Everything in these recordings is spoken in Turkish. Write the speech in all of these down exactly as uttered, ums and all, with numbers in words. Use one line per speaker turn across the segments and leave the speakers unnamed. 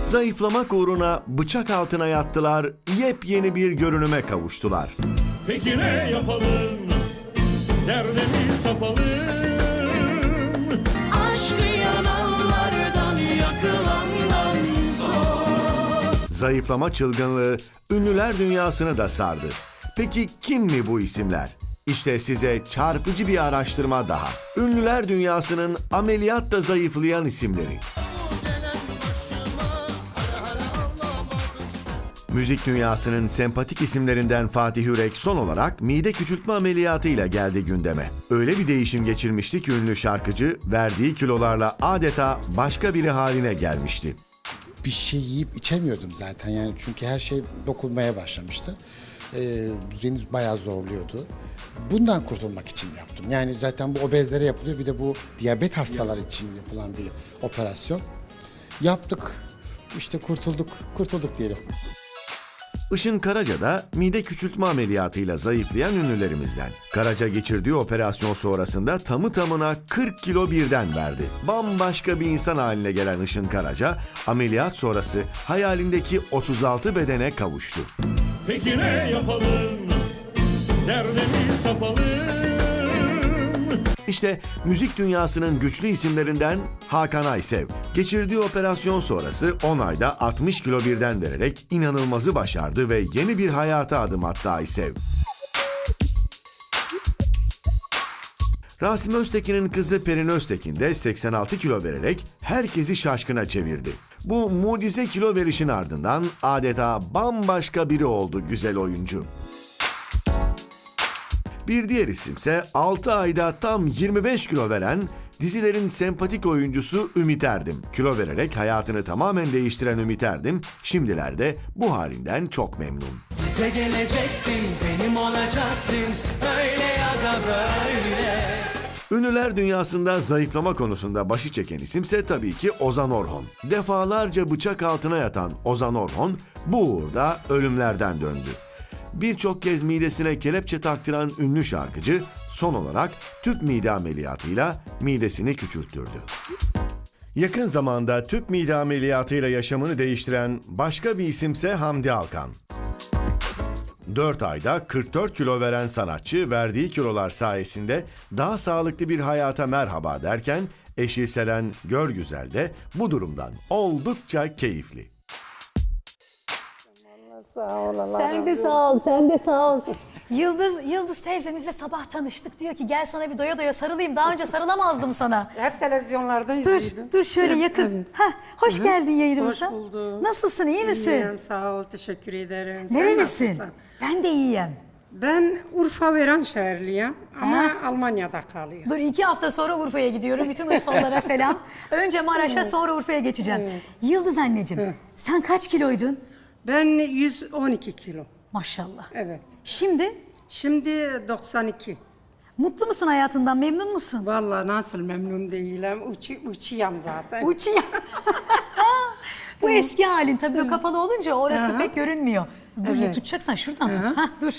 Zayıflamak uğruna bıçak altına yattılar, yepyeni bir görünüme kavuştular.
Peki ne yapalım? Derdimi sapalım.
Aşkı yananlardan, yakılandan sor.
Zayıflama çılgınlığı ünlüler dünyasını da sardı. Peki kim mi bu isimler? İşte size çarpıcı bir araştırma daha. Ünlüler dünyasının ameliyatla zayıflayan isimleri. Müzik dünyasının sempatik isimlerinden Fatih Yürek son olarak mide küçültme ameliyatıyla geldi gündeme. Öyle bir değişim geçirmişti ki ünlü şarkıcı verdiği kilolarla adeta başka biri haline gelmişti.
Bir şey yiyip içemiyordum zaten yani çünkü her şey dokunmaya başlamıştı. Ee, düzenimiz bayağı zorluyordu. Bundan kurtulmak için yaptım. Yani zaten bu obezlere yapılıyor, bir de bu diyabet hastalar için yapılan bir operasyon. Yaptık, işte kurtulduk, kurtulduk diyelim.
Işın Karaca da mide küçültme ameliyatıyla zayıflayan ünlülerimizden. Karaca geçirdiği operasyon sonrasında tamı tamına kırk kilo birden verdi. Bambaşka bir insan haline gelen Işın Karaca, ameliyat sonrası hayalindeki otuz altı bedene kavuştu.
Peki ne yapalım? Derdimi sapalım.
İşte müzik dünyasının güçlü isimlerinden Hakan Aysev. Geçirdiği operasyon sonrası on ayda altmış kilo birden vererek inanılmazı başardı ve yeni bir hayata adım attı Aysev. Rasim Öztekin'in kızı Perin Öztekin de seksen altı kilo vererek herkesi şaşkına çevirdi. Bu mucize kilo verişin ardından adeta bambaşka biri oldu güzel oyuncu. Bir diğer isimse altı ayda tam yirmi beş kilo veren dizilerin sempatik oyuncusu Ümit Erdim. Kilo vererek hayatını tamamen değiştiren Ümit Erdim şimdilerde bu halinden çok memnun.
Bize geleceksin, benim olacaksın, öyle ya da böyle.
Ünlüler dünyasında zayıflama konusunda başı çeken isimse tabii ki Ozan Orhon. Defalarca bıçak altına yatan Ozan Orhon bu uğurda ölümlerden döndü. Birçok kez midesine kelepçe taktıran ünlü şarkıcı son olarak tüp mide ameliyatıyla midesini küçülttürdü. Yakın zamanda tüp mide ameliyatıyla yaşamını değiştiren başka bir isimse Hamdi Alkan. dört ayda kırk dört kilo veren sanatçı verdiği kilolar sayesinde daha sağlıklı bir hayata merhaba derken eşi Selen Görgüzel de bu durumdan oldukça keyifli.
Sen de sağ ol, sen de sağ ol. Yıldız, Yıldız teyzemizle sabah tanıştık. Diyor ki gel sana bir doya doya sarılayım. Daha önce sarılamazdım sana.
Hep televizyonlarda
Dur,
izliyordum.
dur şöyle
Hep,
yakın.
evet.
Heh, hoş geldin yayınımıza.
Hoş buldum.
Nasılsın, iyi misin?
İyiyim, sağ ol, teşekkür ederim. Sen
Nerelisin?
nasılsın?
Ben de iyiyim.
Ben Urfa Veranşehirliyim ama Almanya'da kalıyorum.
Dur iki hafta sonra Urfa'ya gidiyorum. Bütün Urfalılara selam. Önce Maraş'a sonra Urfa'ya geçeceğim. Yıldız anneciğim, sen kaç kiloydun?
Ben yüz on iki kilo.
Maşallah.
Evet.
Şimdi
Şimdi doksan iki.
mutlu musun hayatından, memnun musun?
Vallahi nasıl memnun değilim. Uçu, uçuyam zaten.
Uçuyor. Bu eski halin tabii o kapalı olunca orası
Aha.
pek görünmüyor. Dur ya
Evet.
tutacaksan şuradan tut. Ha dur.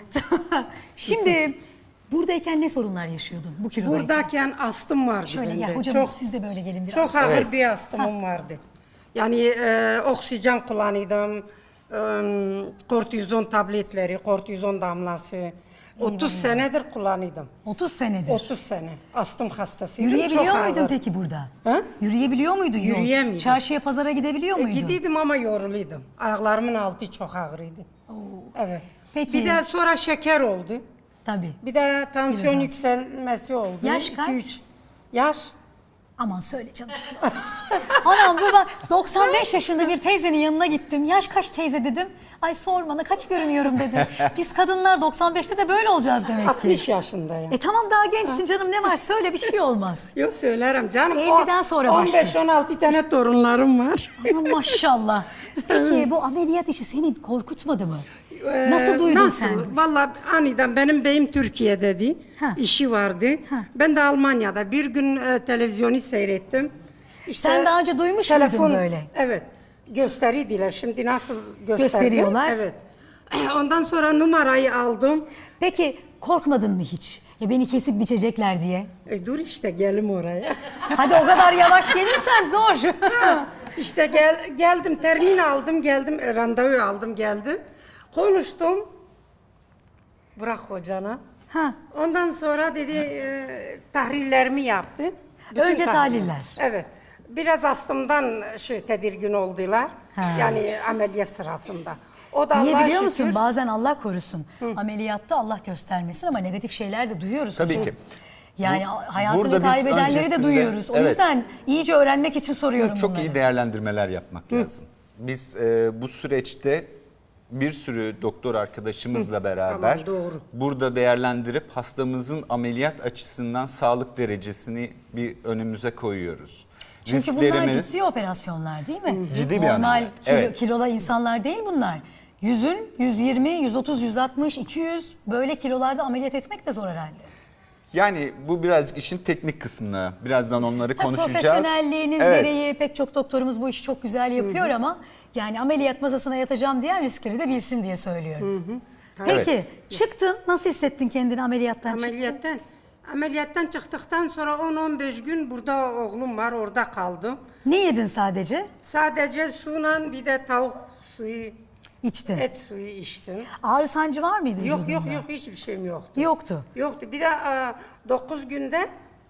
Şimdi buradayken ne sorunlar yaşıyordun bu kilodayken?
Buradayken astım vardı
Şöyle
bende.
gel hocamız
çok,
siz de böyle gelin biraz.
çok ağır bir astımım vardı. Yani e, oksijen kullanıyordum. E, kortizon tabletleri, kortizon damlası. otuz senedir kullanıyordum.
otuz senedir.
otuz sene. Astım hastasıydım.
Yürüyebiliyor
çok
muydun
ağır.
peki burada?
Ha?
Yürüyebiliyor muydun? yol?
Yürüyemiyordum.
Çarşıya pazara gidebiliyor
E,
muydun?
gidiyordum ama yoruluydum. Ayaklarımın altı çok ağrıydı. Evet.
Peki.
Bir de sonra şeker oldu.
Tabii.
Bir de tansiyon
Biraz.
yükselmesi oldu.
Yaş
İki,
kaç?
üç. Yaş?
Aman söyle canım bir şey olmaz. Anam bu ben doksan beş yaşında bir teyzenin yanına gittim. Yaş kaç teyze dedim. Ay sorma ne kaç görünüyorum dedi. Biz kadınlar doksan beşte de böyle olacağız demek ki.
altmış yaşındayım.
E tamam daha gençsin canım ne var söyle bir şey olmaz.
Yok söylerim canım.
elliden sonra
on beş on altı tane torunlarım var.
Aman maşallah. Peki bu ameliyat işi seni korkutmadı mı?
Ee,
Nasıl duydun
nasıl?
sen?
Vallahi aniden benim beyim Türkiye'deydi.
Ha.
İşi vardı.
Ha.
Ben de Almanya'da bir gün e, televizyonu seyrettim. İşte
Sen daha önce duymuş muydun böyle?
Evet. Gösteriydiler. Şimdi nasıl gösterdi?
Gösteriyorlar.
Evet. Ondan sonra numarayı aldım.
Peki korkmadın mı hiç? Ya beni kesip biçecekler diye.
E, dur işte gelim oraya.
Hadi o kadar yavaş gelirsen zor.
İşte gel, geldim, termin aldım, geldim, e, randevu aldım, geldim. Konuştum. Bırak hocana.
Ha.
Ondan sonra dedi e, tahlillerimi yaptı. Bütün
Önce tahliller.
Evet. Biraz astımdan şu tedirgin oldular.
Ha.
Yani ameliyat sırasında. O da
Niye
Allah'a
biliyor
şükür.
musun? Bazen Allah korusun. Ameliyatta Allah göstermesin ama negatif şeyler de duyuyoruz.
Tabii
hocam.
ki.
Yani
Bu-
hayatını
burada biz
kaybedenleri de
öncesinde-
duyuyoruz. O
evet.
yüzden iyice öğrenmek için soruyorum
Çok
bunları.
iyi değerlendirmeler yapmak lazım. Biz e, bu süreçte bir sürü doktor arkadaşımızla beraber
Tamam, doğru.
burada değerlendirip hastamızın ameliyat açısından sağlık derecesini bir önümüze koyuyoruz.
Çünkü bunlar ciddi operasyonlar değil mi?
Ciddi bir
Normal
ameliyat,
kilo,
evet.
kilola insanlar değil bunlar. Yüzün yüz yirmi, yüz otuz, yüz altmış, iki yüz böyle kilolarda ameliyat etmek de zor herhalde.
Yani bu birazcık işin teknik kısmını, birazdan onları
Tabii
konuşacağız.
profesyonelliğiniz
Evet.
gereği pek çok doktorumuz bu işi çok güzel yapıyor ama yani ameliyat masasına yatacağım diyen riskleri de bilsin diye söylüyorum. Peki
Evet.
çıktın, nasıl hissettin kendini ameliyattan çıktın?
Ameliyattan, ameliyattan çıktıktan sonra on on beş gün burada oğlum var, orada kaldım.
Ne yedin sadece?
Sadece suyla bir de tavuk suyu,
İçtin.
et suyu içtim.
Ağrı sancı var mıydı
Yok yok
vücudunda?
yok hiçbir şeyim yoktu.
Yoktu.
Yoktu. Bir de dokuz günde,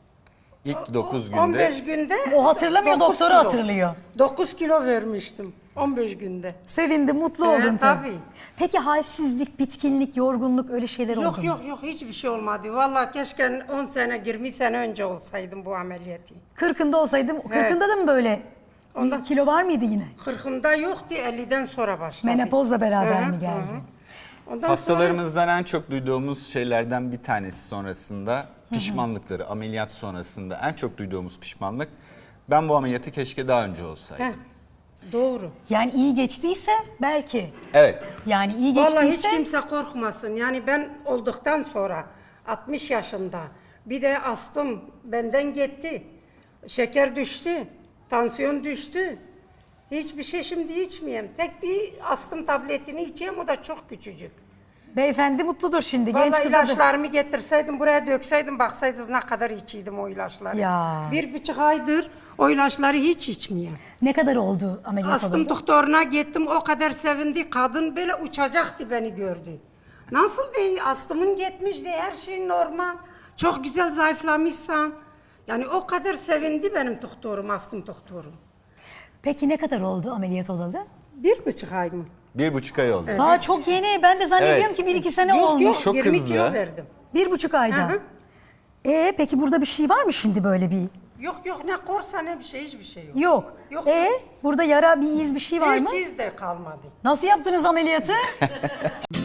İlk dokuz günde
on beş günde.
O hatırlamıyor,
dokuz
doktoru
kilo.
hatırlıyor.
dokuz kilo vermiştim on beş günde.
Sevindin, mutlu
Evet,
oldun tabii.
tabii.
Peki halsizlik, bitkinlik, yorgunluk öyle şeyler oldu
Yok
mu?
yok yok hiçbir şey olmadı. Vallahi keşke on sene yirmi sene önce olsaydım bu ameliyatı.
Kırkında olsaydım, kırkında da mı böyle
Onda-
kilo var mıydı yine?
kırkımda yoktu, elliden sonra başladı.
Menopozla beraber
Hı hı,
mi geldi?
hı hı. Ondan sonra
hastalarımızdan en çok duyduğumuz şeylerden bir tanesi sonrasında pişmanlıkları, ameliyat sonrasında en çok duyduğumuz pişmanlık, ben bu ameliyatı keşke daha önce olsaydım.
Heh, doğru.
Yani iyi geçtiyse belki.
Evet.
Yani iyi
Vallahi
geçtiyse
hiç kimse korkmasın. Yani ben olduktan sonra altmış yaşında bir de astım benden gitti. Şeker düştü, tansiyon düştü. Hiçbir şey şimdi içmeyeyim. Tek bir astım tabletini içeyim, o da çok küçücük.
beyefendi mutludur şimdi. Genç
Vallahi
kıza da-
ilaçlarımı getirseydim, buraya dökseydim, baksaydınız ne kadar içiydim o ilaçları.
Ya.
Bir buçuk aydır o ilaçları hiç içmeyeyim.
Ne kadar oldu ameliyat
Astım
olalı?
doktoruna gittim, o kadar sevindi. Kadın böyle uçacaktı beni gördü. Nasıl değil, astımın gitmiş diye, her şey normal. Çok güzel zayıflamışsan. Yani o kadar sevindi benim doktorum, astım doktorum.
Peki ne kadar oldu ameliyat olalı?
Bir buçuk ay mı?
Bir buçuk ay oldu.
Daha çok yeni. Ben de zannediyorum
Evet.
ki bir iki sene
Yok
olmuş.
yok,
Çok
yirmi
hızlı.
kilo verdim.
Bir buçuk ayda.
Hı hı.
Ee, peki burada bir şey var mı şimdi böyle bir?
Yok yok, ne korsa ne bir şey, hiçbir şey yok.
Yok.
Yok,
Ee,
yok.
burada yara, bir iz, bir şey var mı?
Hiç iz de kalmadı.
Nasıl yaptınız ameliyatı?